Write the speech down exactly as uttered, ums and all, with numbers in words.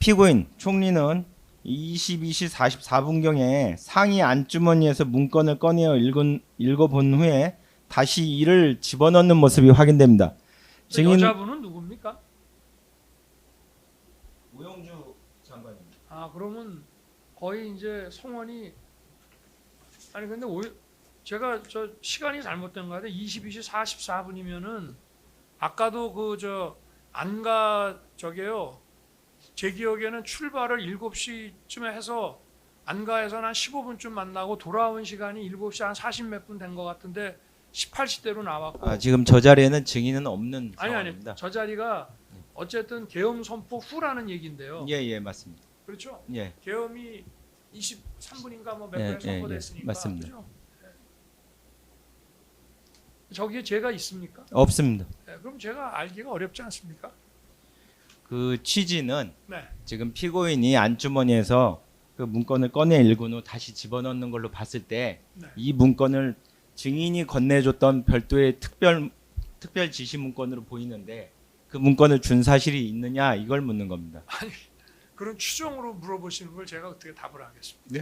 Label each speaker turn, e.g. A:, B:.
A: 피고인 총리는 이십이 시 사십사 분경에 상의 안주머니에서 문건을 꺼내어 읽은, 읽어본 후에 다시 이를 집어넣는 모습이 확인됩니다. 증인
B: 여자분은 누굽니까?
A: 우영주 장관입니다.
B: 아 그러면 거의 이제 송원이 아니 근데 오, 제가 저 시간이 잘못된 거 같아요. 이십이 시 사십사 분이면은 아까도 그 저 안가 저게요. 제 기억에는 출발을 일곱 시쯤에 해서 안가에서 한 십오 분쯤 만나고 돌아온 시간이 일곱 시 한 사십 몇 분 된 것 같은데 십팔 시대로 나왔고
A: 아, 지금 저 자리에는 증인은 없는
B: 아니 아니
A: 상황입니다.
B: 저 자리가 어쨌든 계엄 선포 후라는 얘기인데요.
A: 예, 예, 맞습니다.
B: 그렇죠?
A: 예,
B: 계엄이 이십삼 분인가 뭐 몇
A: 예,
B: 분에
A: 예, 예,
B: 선포됐으니까
A: 맞습니다.
B: 그죠? 예. 저기에 제가 있습니까?
A: 없습니다.
B: 예, 그럼 제가 알기가 어렵지 않습니까?
A: 그 취지는
B: 네.
A: 지금 피고인이 안주머니에서 그 문건을 꺼내 읽은 후 다시 집어넣는 걸로 봤을 때 이
B: 네.
A: 문건을 증인이 건네줬던 별도의 특별 특별 지시 문건으로 보이는데 그 문건을 준 사실이 있느냐 이걸 묻는 겁니다.
B: 아니 그런 추정으로 물어보시는 걸 제가 어떻게 답을 하겠습니까?
A: 네?